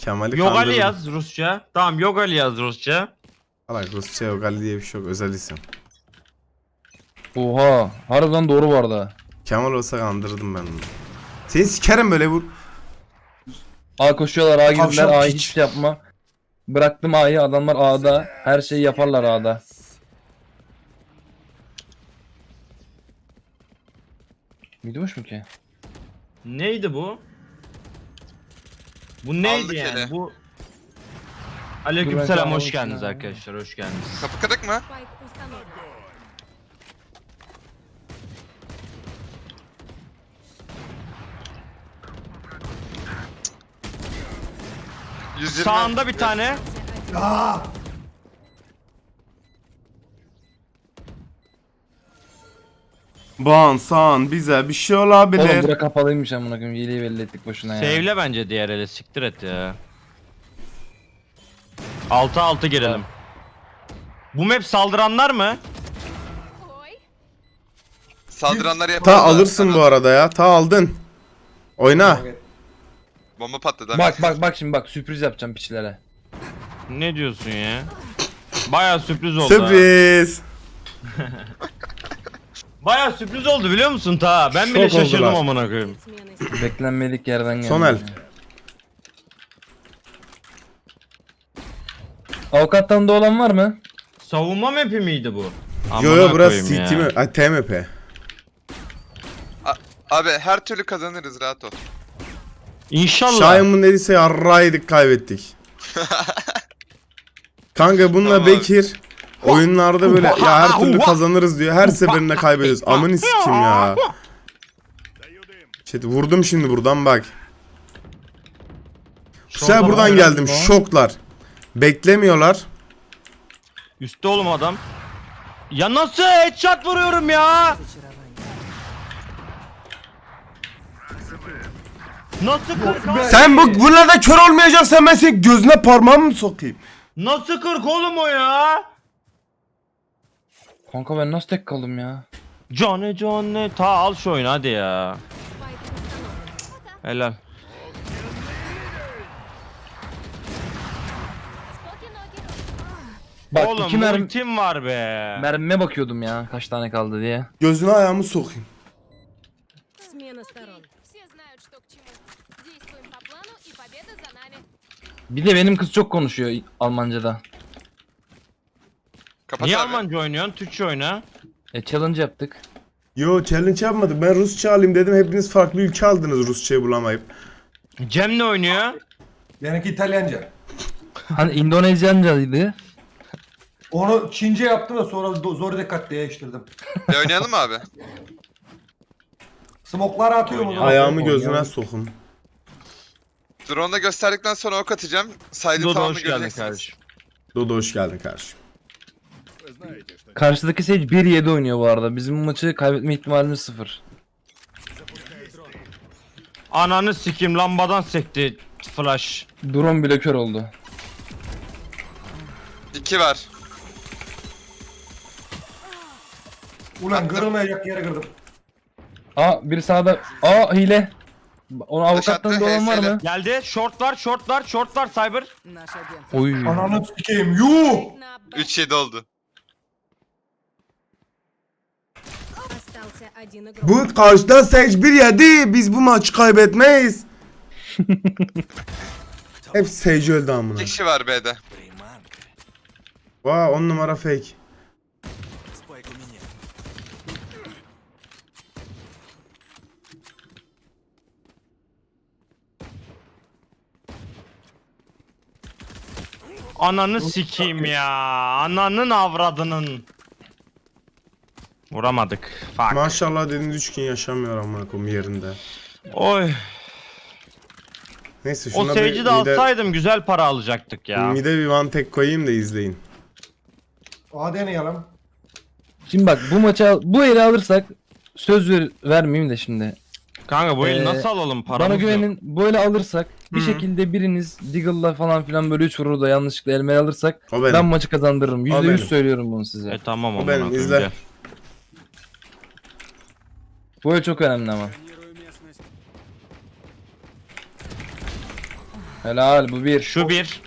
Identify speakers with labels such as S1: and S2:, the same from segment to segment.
S1: Kemal'i
S2: Yogali
S1: kandırdım.
S2: yaz Rusça. Tamam Yogali yaz Rusça.
S1: Alak Rusça Yogali diye bir şey yok. Özel isim.
S3: Oha. Harbiden doğru bu arada.
S1: Kemal olsa kandırdım ben onu. Seni sikerim böyle vur.
S3: A koşuyorlar, A girdiler,
S1: Tavşan
S3: A'yı
S1: piç.
S3: hiç şey yapma. Bıraktım A'yı, adamlar A'da. Her şeyi yaparlar A'da. Gidiyormuş mu ki?
S2: Neydi bu? Bu neydi
S4: Aldık
S2: yani?
S4: hele.
S2: Bu
S3: Dur ben
S2: Aleykümselam hoş
S3: kalmamışım
S2: geldiniz
S3: ya.
S2: arkadaşlar hoş geldiniz.
S4: Kapı kırık mı?
S5: Спайк установлен.
S4: 120.
S2: Sağında bir tane.
S1: Bansan bize bir şey
S3: Oğlum
S1: olabilir.
S3: bura kapalıymış amına koyayım. Hileyi belli ettik boşuna ya.
S2: Save'le bence diğer ele siktir et ya. 6-6 girelim. Bu map saldıranlar mı?
S5: Ой,
S4: Saldıranları yapalım.
S1: Ta alırsın bu arada ya. Ta aldın. Oyna.
S4: Bomba patladı.
S3: Bak şimdi bak sürpriz yapacağım piçlere.
S2: Ne diyorsun ya? Baya sürpriz oldu. Ha.
S1: Sürpriz.
S2: Baya sürpriz oldu biliyor musun ta? Ben
S1: Şok
S2: bile şaşırdım
S1: oldular.
S2: amına koyayım.
S5: смены
S3: Beklenmedik yerden geldi.
S1: Son el.
S3: Avukattan da olan var mı?
S2: Savunma map'i miydi bu?
S1: Yo
S2: Amına
S1: burası
S2: koyayım
S1: CT
S2: ya.
S1: mi? Ay TMP.
S4: Abi her türlü kazanırız, rahat ol.
S2: İnşallah.
S1: Şahin'in dediyse yarraydık kaybettik. Kanka bununla
S4: Tamam.
S1: Bekir oyunlarda böyle ya her türlü kazanırız diyor. Her seferinde kaybediyoruz. Amını sikim ya. Chat vurdum şimdi buradan bak. Bu sefer
S2: Şorta
S1: buradan
S2: bak.
S1: geldim. Şoklar. Beklemiyorlar.
S2: Üstte oğlum adam. Ya nasıl headshot vuruyorum ya? Nasıl 40 abi?
S1: Sen bunlarda kör olmayacaksan ben senin gözüne parmağımı mı sokayım?
S2: Nasıl 40 oğlum o ya?
S3: Kanka ben nasıl tek kaldım ya?
S2: Johnny ta al şu oyunu hadi ya.
S5: спайк установлен.
S2: Helal.
S5: Споки-ноки.
S3: Bak
S2: Oğlum
S3: iki mermi
S2: ultim var be.
S3: mermime bakıyordum ya kaç tane kaldı diye.
S1: Gözüne ayağımı sokayım.
S5: Смена сторон.
S6: Все знают, что к чему. Действуем по плану, и победа за нами.
S3: Bir de benim kız çok konuşuyor Almanca'da.
S4: Kapat
S2: Niye
S4: abi.
S2: Almanca oynuyorsun? Türkçe oyna.
S3: Challenge yaptık.
S1: Yo challenge yapmadık. Ben Rusça alayım dedim. Hepiniz farklı ülke aldınız Rusçayı bulamayıp.
S2: Cem ne oynuyor?
S7: Benimki İtalyanca.
S3: Hani İndonezyancaydı.
S7: Onu Çince yaptım da sonra zor dikkat değiştirdim.
S4: Oynayalım mı abi?
S7: Smokları atıyorum o
S2: Oynuyor.
S7: zaman.
S1: Ayağımı gözüne sokun.
S4: Drone'da gösterdikten sonra ok atacağım. Saydı
S2: Dodo
S4: tamamını
S2: hoş geldin
S4: göreceksiniz.
S2: kardeşim.
S1: Dodo hoş geldin kardeşim.
S3: Karşıdaki Sage 1-7 oynuyor bu arada. Bizim bu maçı kaybetme ihtimalimiz 0.
S2: Ananı sikim lambadan sekti flash.
S3: Drone bile kör oldu.
S4: 2 var.
S7: Ulan kırılmayacak yere kırdım.
S3: Aa biri sağda. Aa hile. Onu avukattan
S4: attı,
S3: da olan var
S4: HS'yle.
S3: mı?
S2: Geldi. Short var cyber.
S3: Oy.
S7: Ananı sikeyim. Yuh!
S5: На Б.
S4: 3-7 oldu.
S5: Остался один игрок.
S1: Bu karşıda Sage 1-7. Biz bu maçı kaybetmeyiz. Hep Sage öldü amına.
S4: 2 kişi var B'de.
S1: Vaa 10 numara fake.
S2: Ananı sikeyim ya. Ananın avradının. Vuramadık. Fuck.
S1: Maşallah dediğiniz 3 gün yaşamıyor amına koyayım yerinde.
S2: Oy.
S1: Neyse
S2: O
S1: şuna
S2: Sage'i de alsaydım güzel para alacaktık ya.
S1: mide bir one tek koyayım da izleyin.
S7: Hadi deneyelim.
S3: Şimdi bak bu maçı bu eli alırsak söz vermeyeyim de şimdi.
S2: Kanka bu eli
S3: Ee,
S2: nasıl alalım paramız
S3: Bana
S2: yok.
S3: güvenin bu eli alırsak bir şekilde biriniz Deagle'la falan filan böyle 3 vurur da yanlışlıkla elime alırsak
S1: O benim.
S3: ben maçı kazandırırım.
S1: benim.
S3: %100 söylüyorum bunu size.
S2: Tamam
S1: O
S2: amına
S1: benim,
S2: koyayım,
S1: izle.
S2: gel.
S3: Bu el çok önemli ama. Helal bu bir.
S2: Şu bir.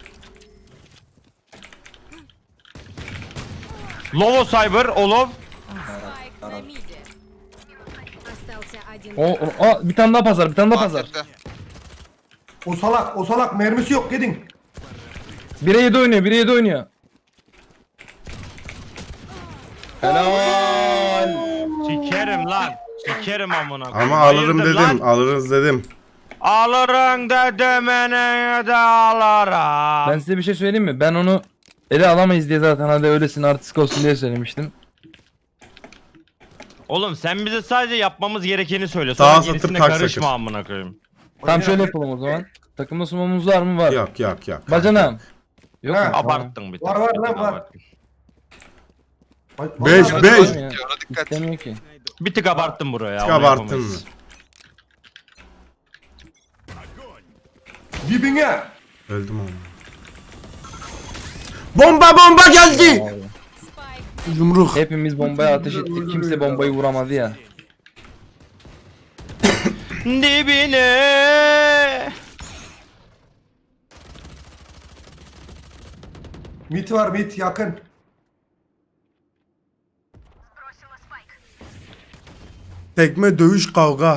S2: Lovo Cyber, Olov.
S6: Спайк на миде.
S5: Остался один.
S3: Bir tane daha pazar, bir tane daha pazar.
S4: Markette.
S7: O salak mermisi yok gidin.
S3: 1'e 7 oynuyor, 1'e 7 oynuyor. Helal.
S2: Sikerim lan. Sikerim amına. koyayım.
S1: Ama alırım
S2: Hayırdır
S1: dedim.
S2: lan?
S1: Alırız dedim.
S2: Alırım dedim ene de alırım.
S3: Ben size bir şey söyleyeyim mi? Ben onu ele alamayız diye zaten hadi öylesin artistik olsun diye söylemiştim.
S2: Oğlum sen bize sadece yapmamız gerekeni söyle. Sonra
S1: Sağa satıp
S2: gerisine
S1: tak
S2: karışma
S1: sakır.
S2: amına koyayım.
S3: Tamam şöyle yapalım o zaman. Takımda sumamız var mı? Var.
S1: Yok yok yok.
S3: Bacanam. Yok
S7: Ha,
S3: mu? Tamam.
S2: Abarttın bir tık.
S7: Var, var
S2: bir
S7: lan,
S2: tık
S7: var.
S2: abarttın.
S1: Beş,
S7: Vallahi-
S1: beş.
S3: Tamam ya.
S4: Ona dikkat.
S3: İstemiyor ki.
S2: Bir tık abarttın buraya.
S1: Tık
S2: onu
S1: abarttın
S2: yapamayız.
S1: mı?
S7: Dibine.
S1: Öldüm ama. Bomba geldi.
S6: Спайк.
S1: Yumruk.
S3: Hepimiz bombaya ateş ettik. Kimse bombayı vuramadı ya.
S2: Dibine.
S7: Mit var mit yakın.
S1: Tekme dövüş kavga.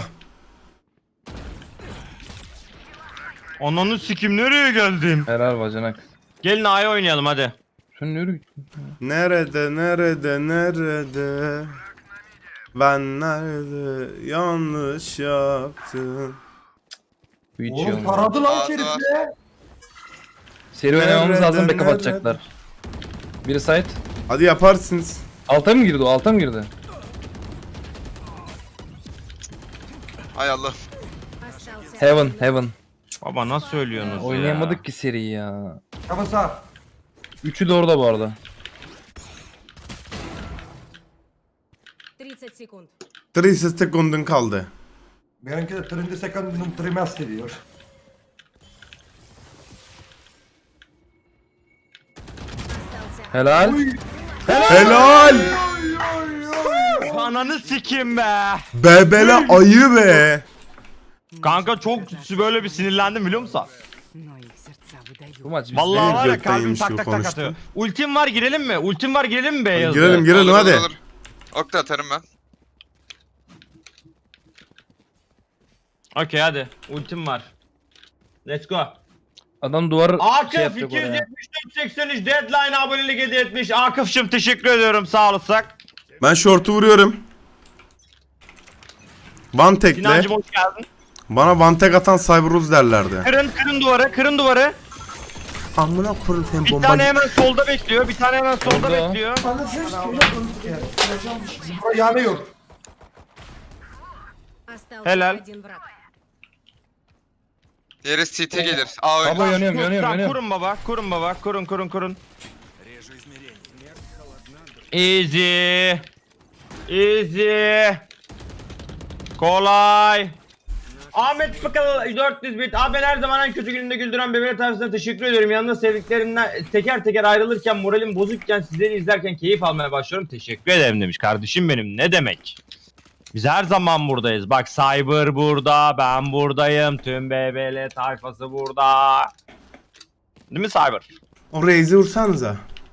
S2: Ananı sikim nereye geldim?
S3: Helal bacanak.
S2: Gelin A'ya oynayalım hadi.
S3: Sen nereye gittin?
S1: Nerede? Ben nerede yanlış yaptım?
S3: Bu hiç iyi
S7: Oğlum
S3: olmadı.
S7: taradı lan
S4: Aa,
S7: şerifle.
S3: Seri oynamamız lazım
S1: Nerede,
S3: backup atacaklar. Biri site.
S1: Hadi yaparsınız.
S3: Alta mı girdi o? Alta mı girdi?
S4: Hay Allah.
S5: Остался
S3: Heaven.
S2: Baba nasıl söylüyorsunuz ya?
S3: Oynayamadık ki seriyi ya.
S7: Kafa sağ.
S3: Üçü de orada bu arada.
S5: 30 секунд.
S1: 30 sekundun kaldı.
S7: Benimki de 30 second'ın trimester diyor.
S5: Остался
S3: Helal.
S1: Helal.
S2: Ananı sikim be.
S1: Bebele ayı be.
S2: Kanka çok böyle bir sinirlendim biliyor musun?
S3: Bu maç biz
S2: Vallahi var ya
S1: gökten
S2: kalbim
S1: yemiş
S2: tak
S1: gibi
S2: tak tak
S1: konuştun.
S2: atıyor. Ultim var girelim mi? Ultim var girelim mi be yazdı?
S1: Girelim
S4: Olur,
S1: hadi.
S4: olur. Ok da atarım ben.
S2: Okey hadi. Ultim var. Let's go.
S3: adam duvar
S2: Akif
S3: şey yapacak oraya.
S2: 274-83 deadline abonelik hediye etmiş. Akif'cim teşekkür ediyorum sağ olasın.
S1: Ben short'u vuruyorum. One tekle.
S2: Sinancım hoş geldin.
S1: Bana one tek atan Cyberuz derlerdi.
S2: Kırın duvarı.
S1: Amına koyayım sen
S2: Bir
S1: bomba.
S2: tane hemen solda bekliyor. Bir tane hemen solda
S3: Orada.
S2: bekliyor.
S7: Bura yanıyor.
S5: Остался
S2: Helal.
S5: один враг.
S4: Diğeri CT gelir. A
S3: Baba
S4: oyun.
S3: yanıyorum
S2: Tamam,
S3: yanıyorum.
S2: kurun baba. Kurun. Easy. Kolay. Ahmet Fıkal 400 bit. Abi ben her zaman en kötü gününde güldüren bebeğe tavsiyesine teşekkür ediyorum. Yanında sevdiklerimden teker teker ayrılırken moralim bozukken sizleri izlerken keyif almaya başlıyorum. Teşekkür ederim demiş kardeşim benim. Ne demek? Biz her zaman buradayız. Bak Cyber burada, ben buradayım. Tüm BBL tayfası burada. Değil mi Cyber?
S1: O Raze'i vursanıza.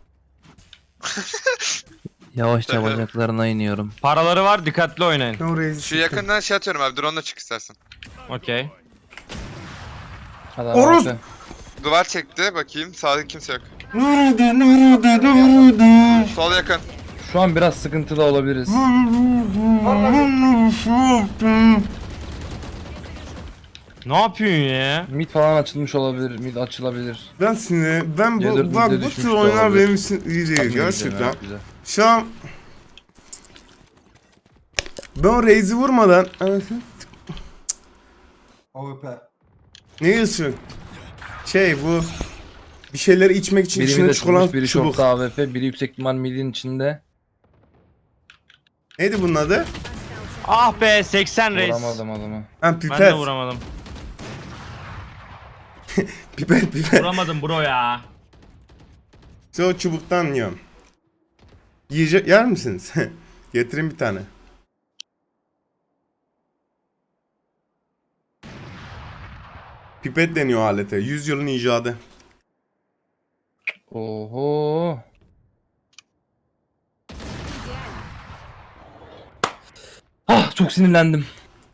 S3: Yavaşça bacaklarına iniyorum.
S2: Paraları var, dikkatli oynayın.
S1: O Raze'i
S4: Şu yakından şey atıyorum abi. Drone'la çık istersen.
S2: Okey.
S3: Hadi
S1: Oruz!
S3: abi.
S4: Duvar çekti. Bakayım. Sağda kimse yok.
S1: Nerede?
S4: Sol yakın.
S3: Şu an biraz sıkıntıda olabiliriz.
S2: Ne yapıyorsun ya?
S3: Mid falan açılmış olabilir. Mid açılabilir.
S1: Ben sinir. Ben
S3: C4
S1: bak
S3: bizde
S1: bu
S3: düşmüş
S1: tür
S3: de
S1: oyunlar
S3: olabilir.
S1: benim için iyi değil
S3: Güzel,
S1: gerçekten.
S3: evet, güzel.
S1: Şu an ben o Raze'i vurmadan
S7: AWP.
S1: ne diyorsun? Bu bir şeyler içmek için
S3: Biri
S1: içine
S3: mid
S1: çikolat
S3: açılmış, biri
S1: çubuk.
S3: short'ta AWP, biri yüksek ihtimal midin içinde.
S1: Neydi bunun adı?
S2: Ah be 80 reis.
S3: Vuramadım adamı.
S1: Ha
S2: Ben de
S1: pipet.
S2: vuramadım.
S1: Pipet.
S2: Vuramadım bro ya.
S1: Size o çubuktan yiyorum. Yer misiniz? Getireyim bir tane. Pipet deniyor alete. 100 yılın icadı.
S3: Oho. Ah çok sinirlendim.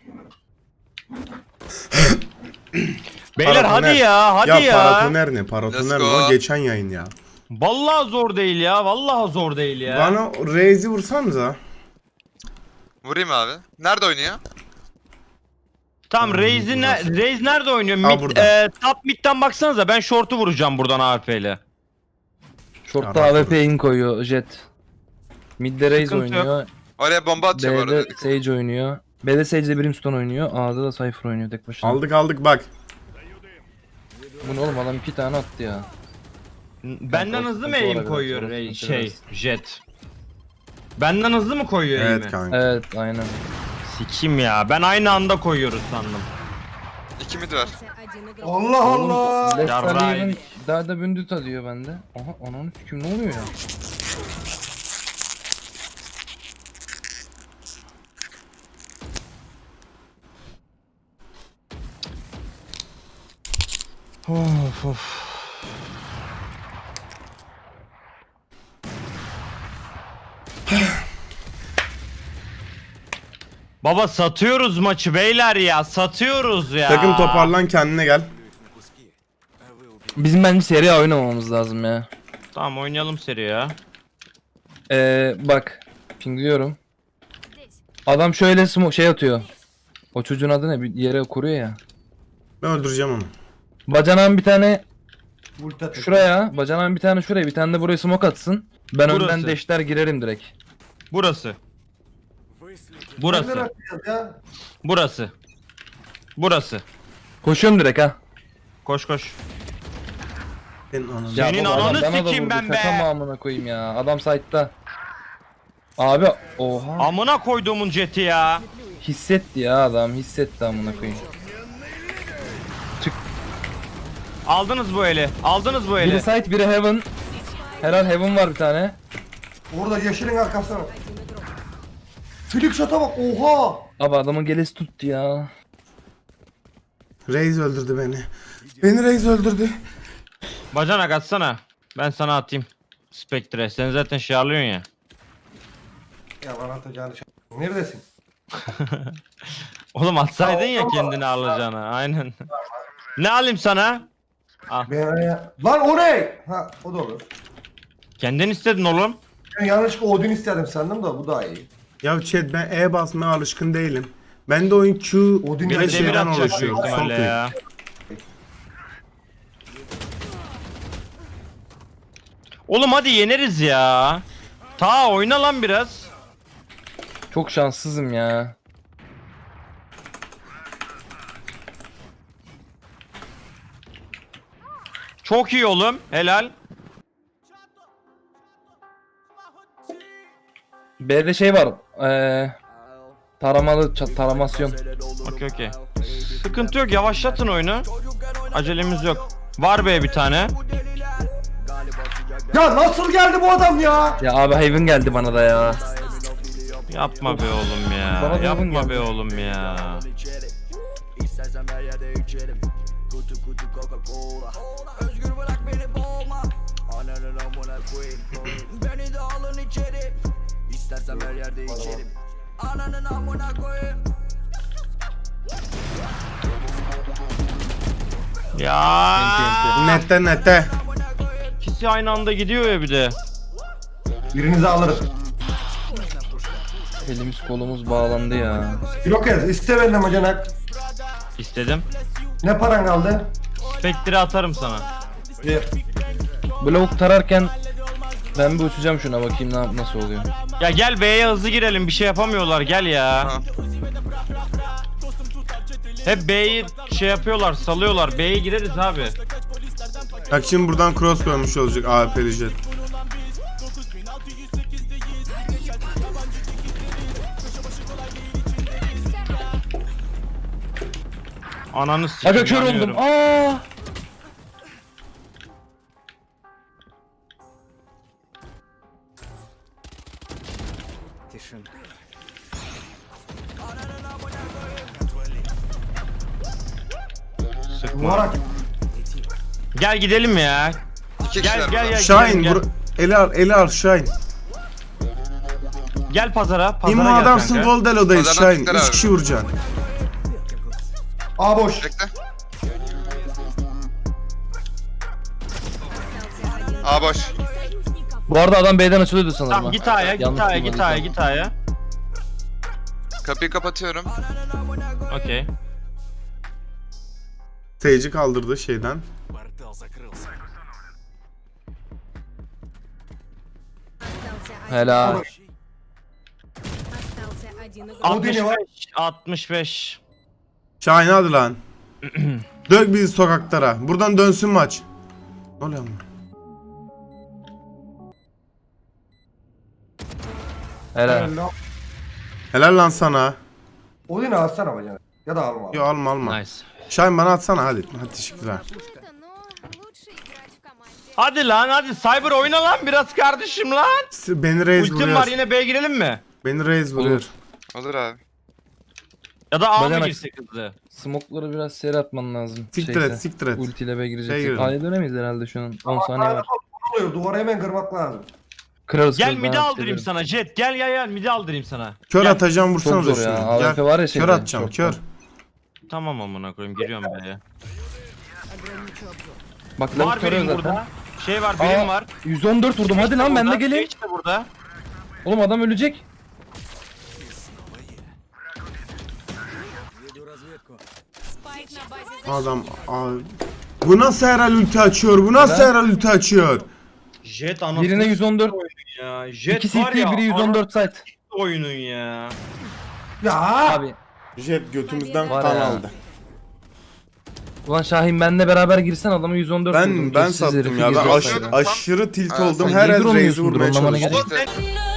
S2: Beyler
S1: Paratoner.
S2: hadi ya hadi ya.
S1: Paratoner ne? Paratoner
S4: Let's
S1: o
S4: go.
S1: geçen yayın ya.
S2: Vallahi zor değil ya. Vallahi zor değil ya.
S1: Bana Reis'i vursanıza.
S4: Vurayım abi. Nerede oynuyor?
S2: Tamam Reis nerede oynuyor?
S1: Aa, burada.
S2: Top mid'den baksanıza ben short'u vuracağım buradan AWP ile.
S3: Short'ta
S1: Ya,
S3: AWP in koyuyor Jet. Mid'de Raze
S2: Sıkıntı yok.
S3: oynuyor.
S4: Oraya bomba atacağım
S3: B'de
S4: orada.
S3: Sage oynuyor. B'de Sage'de Brimstone oynuyor. A'da da Cypher oynuyor tek başına.
S1: Aldık bak.
S3: Bu ne oğlum adam 2 tane attı ya.
S2: Benden hızlı mı
S3: sıkıntı
S2: aim
S3: olabilir,
S2: koyuyor
S3: sorun
S2: Jet? Benden hızlı mı koyuyor aim'i?
S1: Evet kanka.
S3: Evet aynen.
S2: Sikim ya. Ben aynı anda koyuyoruz sandım.
S4: 2 mid var.
S5: Один игрок.
S7: Allah Allah.
S3: Left
S2: Yarrağı
S3: Alive'ın
S2: yedik.
S3: daha da bündüt diyor bende. Aha ananı sikim ne oluyor ya?
S2: Of of. Baba satıyoruz maçı beyler ya. Satıyoruz ya.
S1: Takım toparlan kendine gel.
S3: Bizim bence seri A oynamamız lazım ya.
S2: Tamam oynayalım seri ya.
S3: Bak pingliyorum.
S6: Здесь.
S3: Adam şöyle şey atıyor. O çocuğun adı ne? Bir yere kuruyor ya.
S1: Ben öldüreceğim onu.
S3: Bacanağın bir tane
S7: Ulti atıyor.
S3: şuraya, bacanağın bir tane şuraya, bir tane de buraya smoke atsın. Ben
S2: Burası.
S3: önden deşler girerim direkt.
S2: Burası.
S7: Nereden
S2: Burası.
S7: atacağız ya?
S2: Burası. Burası.
S3: Koşuyorum direkt ha.
S2: Koş koş.
S1: Senin ananı.
S3: Ya
S2: Senin
S3: baba, adam
S2: ananı
S3: bana da
S2: sikeyim
S3: vurdu,
S2: ben be.
S3: şaka mı amına koyayım ya. Adam site'da. Abi oha.
S2: Amına koyduğumun jeti ya.
S3: Hissetti ya adam, hissetti amına koyayım.
S2: Aldınız bu eli. Aldınız bu
S3: Biri
S2: eli.
S3: site, biri heaven. Herhal heaven var bir tane.
S7: Orada yeşilin arkasına. Flick shot'a bak oha.
S3: Abi adamın gelesi tuttu ya.
S1: Reis öldürdü beni. Beni Reis öldürdü.
S2: Bacanak atsana. Ben sana atayım. Spectre. Sen zaten şey alıyorsun ya.
S7: Ya bana atacağını neredesin?
S2: Oğlum atsaydın ya kendini alacağını. Aynen. Ne alayım sana?
S7: Lan o ne? Ha o da olur.
S2: Kendin istedin oğlum.
S7: Ben yanlışlıkla Odin istedim sandım da bu daha iyi.
S1: Ya chat ben E basmaya alışkın değilim. Ben de oyun Q
S7: Odin
S2: Bir
S1: ve
S2: de
S7: de
S2: demir
S1: şeyden
S2: atacak
S1: oluşuyor.
S2: büyük ihtimalle
S1: Son
S2: ya. Oğlum hadi yeneriz ya. Ta oyna lan biraz.
S3: Çok şanssızım ya.
S2: Çok iyi oğlum. Helal.
S3: B'de şey var. Taramalı taramasyon.
S2: Okey. Sıkıntı yok. Yavaşlatın oyunu. Acelemiz yok. Var be bir tane.
S7: Ya nasıl geldi bu adam ya?
S3: Ya abi Haven geldi bana da ya.
S2: Yapma be oğlum ya.
S3: Bana da
S2: Yapma
S3: yakın
S2: be
S3: geldi.
S2: oğlum ya.
S8: İstersen her yerde içerim. Kutu kutu Coca-Cola. Özgür bırak beni boğma. Ananın amına koyayım. Beni de alın içeri. İstersen her yerde içerim. Ananın amına koyayım.
S2: Ya.
S1: Nette.
S2: İkisi aynı anda gidiyor ya bir de.
S7: Birinizi alırım.
S3: Elimiz kolumuz bağlandı ya.
S7: Yok ez iste benden bacanak.
S2: İstedim.
S7: Ne paran kaldı?
S2: Spectre atarım sana.
S7: Ver.
S3: Blok tararken ben bir uçacağım şuna bakayım nasıl oluyor.
S2: Ya gel B'ye hızlı girelim. Bir şey yapamıyorlar. Gel ya.
S4: Ha.
S2: Hep B'yi şey yapıyorlar, salıyorlar. B'ye gireriz abi.
S1: Bak şimdi buradan cross koymuş olacak AWP'li jet.
S2: Ananı sikeyim.
S3: Aga kör
S2: yanıyorum.
S3: oldum. Aa!
S2: Sıkma.
S7: Duvara
S2: Gel gidelim ya.
S4: İki
S2: Gel
S4: kişiler
S2: gel
S4: burada.
S2: gel.
S1: Şahin
S2: gel.
S1: eli al Şahin.
S2: Gel pazara. Pazara
S1: İmmo
S2: gel
S1: adamsın
S2: kanka.
S1: Voldelo'dayız
S4: Pazardan
S1: Şahin.
S4: çıkar
S1: 3
S4: abi.
S1: kişi vuracaksın.
S7: A boş.
S4: Bekle.
S5: Остался один.
S4: A boş.
S3: Bu arada adam B'den açılıyordu sanırım.
S2: Tamam
S3: ha.
S2: git A'ya git
S3: Yanlış
S2: A'ya git
S3: duymadıysam.
S2: A'ya git A'ya.
S4: Kapıyı kapatıyorum.
S2: Okey.
S1: Stage'i kaldırdı şeyden.
S5: Остался один.
S3: Helal.
S5: Остался один игрок.
S7: O deli var.
S2: 65.
S1: Şahin hadi lan. Dök bizi sokaklara. Buradan dönsün maç. Ne oluyor lan?
S3: Helal.
S1: Helal lan sana.
S7: O deli alsana bacana. Ya da alma.
S1: Yo alma alma.
S2: Nice.
S1: Şahin bana atsana hadi. Hadi teşekkürler.
S6: Это, но лучше играть в команде.
S2: Hadi lan hadi Cyber oyna lan biraz kardeşim lan.
S1: Beni Reis
S2: Ultim var
S1: vuruyor.
S2: yine B'ye girelim mi?
S1: Beni Reis vuruyor.
S4: Olur abi.
S2: Ya da A mı
S3: Bacanak.
S2: girsek hızlı?
S3: Smoke'ları biraz seri atman lazım.
S1: Siktir
S3: Şeyse,
S1: et siktir et.
S3: Ultiyle B
S1: Şey
S3: girecek.
S1: girelim.
S3: A'ya dönemeyiz herhalde şu an. 10 saniye var.
S7: Oluyor. Duvara hemen kırmak lazım.
S3: Kırarız
S2: Gel
S3: kırarız,
S2: midi
S3: ben
S2: aldırayım
S3: hissediyorum.
S2: sana Jet. Gel gel gel midi aldırayım sana.
S1: Kör
S2: Gel.
S1: atacağım
S3: Çok
S1: vursanıza
S3: zor ya.
S1: şunu.
S3: AWP
S1: Gel.
S3: var ya
S1: Kör
S3: şeyde.
S1: atacağım
S3: çok
S1: kör.
S3: zor.
S2: Tamam amına koyayım giriyorum B'ye.
S3: Bak
S2: Var
S3: lavuk körüyor
S2: benim
S3: zaten.
S2: burada. Şey var benim
S3: Aa,
S2: var.
S3: 114 vurdum hadi lan ben de
S2: Burada,
S3: geleyim.
S2: Sage de burada.
S3: Oğlum adam ölecek.
S5: Спайк на базе
S1: Adam abi. Bu nasıl herhal ulti açıyor? Bu nasıl
S3: Neden?
S1: herhal ulti açıyor?
S2: Jet anasını
S3: Birine 114.
S2: ya. Jet
S3: 2
S2: var
S3: CT
S2: ya.
S3: biri 114 site.
S2: Oyunun ya.
S7: Ya.
S3: Abi.
S1: Jet götümüzden
S3: Var
S1: kan
S3: ya.
S1: aldı.
S3: Ulan Şahin benle beraber girsen adamı 114 vurdum.
S1: Ben
S3: Gözsüz
S1: sattım
S3: herifi
S1: ya. Ben
S3: girdi
S4: aşırı-
S3: sayda.
S1: aşırı tilt
S4: Ha,
S1: oldum.
S3: sen
S1: Her
S3: leader
S1: el Reis'i
S3: olmuyorsundur,
S1: vurmaya
S3: anlamana
S1: çalıştım.
S3: gerek
S4: İşte